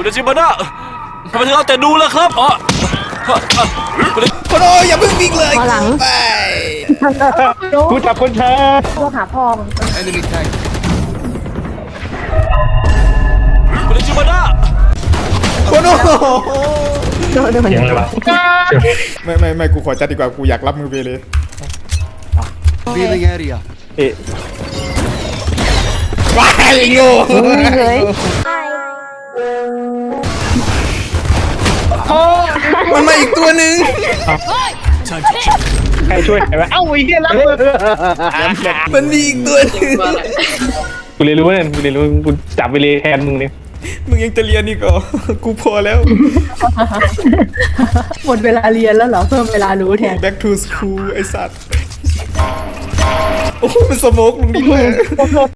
คุณอาชิมานะทำไมถึงเอาแต่ดูล่ะครับโคโนอย่าเพิ่งวิ่งเลยไปกูจับคนช้าตัวหาพ่อมึงคุณอาชิมานะโคโนเดี๋ยวมันเสียงอะไรวะไม่กูขอจัดดีกว่ากูอยากรับมือเบเลย Revealing area. เอ๊ะว้ายโง่เลยมันมาอีกตัวหนึ่งใครช่วยใครวะเอ้าไอ้เหี้ยรับมือมันมีอีกตัวหนึ่งกูเรียนรู้เนี่ยกูเรียนรู้กูจับไปเลยแทนมึงเนี่ยมึงยังจะเรียนอีกเหรอกูพอแล้วหมดเวลาเรียนแล้วเหรอเพิ่มเวลารู้แทน back to school ไอ้สัตว์โอ้มันสโมกลุงนี่ด้วย